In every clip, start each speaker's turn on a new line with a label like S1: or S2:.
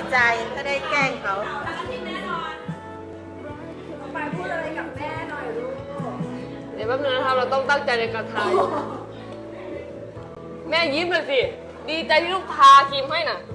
S1: ใจถ้าได้แกล้งเขา
S2: ไปพูดอะไรกับแม่หน่อยลูก
S3: เดี๋ยวแป๊บนึงนะครับเราต้องตั้งใจในการทายแม่ยิ้มเลยสิ ดีใจที่ลูกทาครีมให้น่ะ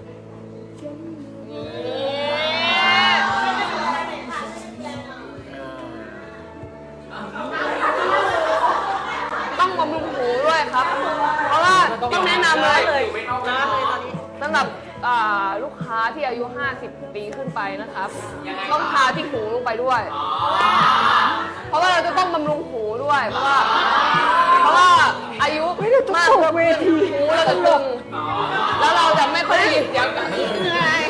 S3: ต้องบำรุงหูด้วยครับ เพราะว่าต้องแนะนำเลย
S1: ร้อนเลยตอนนี้
S3: สำหรับลูกค้าที่อายุ 50 ปีขึ้นไปนะครับ ต้องทาที่หูลงไปด้วย เพราะว่าเราจะต้องบำรุงหูด้วย เพราะว่าอายุมากขึ้นหูเราจะตึงแล้วเราจะไม่ค่อยได้ยินเสียงเหนื่อย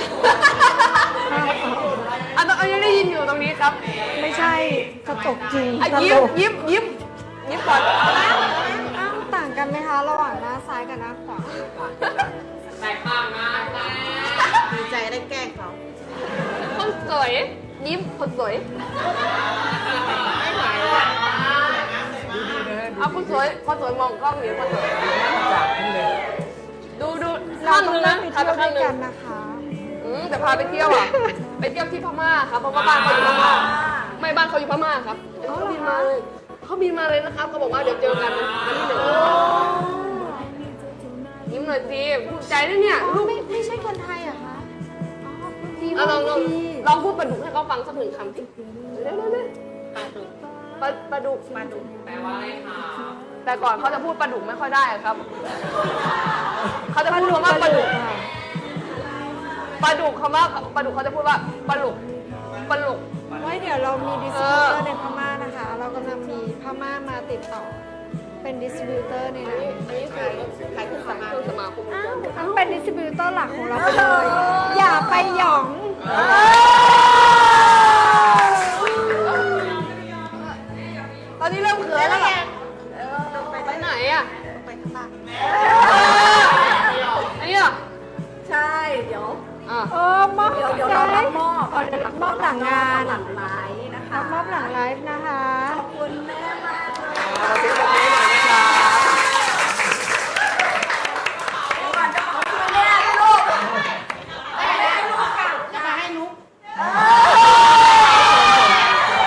S3: อันนี้ได้ยินอยู่ตรงนี้ครับ
S2: ไม่ใช่กระจกจริง
S3: ยิ้มก่อน
S2: อ้าวต่างกันไหมคะระหว่างหน้าซ้ายกับหน้าขวา
S3: แตกต่างกัน
S1: ดีใจได้แกล้งเขา
S3: คนสวยยิ้มคนสวยเอาคนสวยมองกล้องอยู่คนสวยดู
S2: เรา
S3: ข้าง
S2: ต้อ
S3: นึ
S2: ง
S3: ง
S2: เล่
S3: นะ
S2: นไป
S3: พา
S2: เที่
S3: ไป
S2: ยวด้
S3: ข้า
S2: ว
S3: ง
S2: ย
S3: นึง
S2: กันนะคะ
S3: แต่พาไปเที่ยวอ่ะไปเที่ยวที่พม่าครับเพราะว่าบ้านเขาอยู่พม่าไม่บ้านเขาอยู่พม่าครับเขาบินมาเลยนะครับเขาบอกว่าเดี๋ยวเจอกันวันที่1ยิ้มหน่อยสิภูมิใจด้วยเนี่ยลูก
S2: ไม่ใช่คนไทยเหรอคะอ๋อดี
S3: เอา
S2: มาก
S3: ลองพูดปลาดุกให้เขาฟังสักหนึ่งคำสิเร็วปลาดุกแปลว่าอะไรคะแต่ก่อนเขาจะพูดปลาดุกไม่ค่อยได้ครับเขาจะพูดคำว่าปลาดุกคำว่าปลาดุกเขาจะพูดว่าปลาดุก
S2: ไว้เดี๋ยวเรามีดิสติบิวเตอร์ในพม่านะคะ เรากำลังมีพม่ามาติดต่อ เป็นดิสติบิวเตอร์ในนั้น
S3: อันนี้คือขายเครื่องสมาคม
S2: ต้องเป็นดิสติบิวเตอร์หลักของเราไปเลย อย่าไปหยอง
S3: ตอนนี้เริ่มเขินแล้วไงไปไหนอ่ะ
S1: ไปข้างล่าง
S3: อันนี้เหรอ
S2: ใช่ เดี๋ยว
S3: อ่ะ
S2: มอบ
S4: เดี๋ยวเรารับมอบ
S2: เดี๋ยวรับมอบหลังงาน
S4: หลังไลฟ์นะคะ
S2: รับมอบหลังไลฟ์นะคะ
S4: ขอบคุณแม่มากเลย
S3: เราซื้อแบบนี้หน่อยนะครับ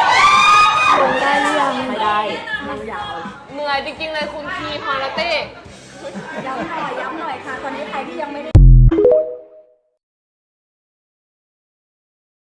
S2: ลงได้หรือยัง
S4: ไม่ได้นั่งยาว
S3: เหนื่อยจริงๆเลยคุณทีฮาราเต้